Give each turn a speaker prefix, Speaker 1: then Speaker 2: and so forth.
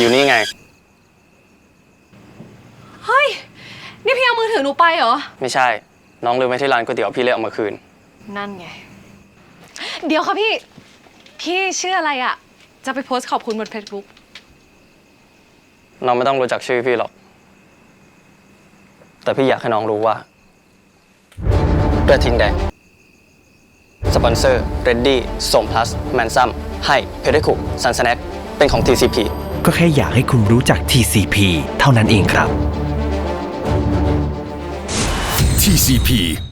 Speaker 1: อยู่นี่ไง
Speaker 2: เฮ้ยนี่พี่เอามือถือหนูไปเหรอ
Speaker 1: ไม่ใช่น้องลืมไว้ที่ร้านก๋วยเตี๋ยวพี่เลยเอามาคืน
Speaker 2: นั่นไงเดี๋ยวค่ะพี่ชื่ออะไรอ่ะจะไปโพสต์ขอบคุณบน Facebook
Speaker 1: น้องไม่ต้องรู้จักชื่อพี่หรอกแต่พี่อยากให้น้องรู้ว่ากระทิงแดงสปอนเซอร์เรดดี้สมพลัสแมนซัมให้เพเดคุซันสแน็คเป็นของ TCP
Speaker 3: ก็แค่อยากให้คุณรู้จัก TCP เท่านั้นเองครับ
Speaker 4: TCP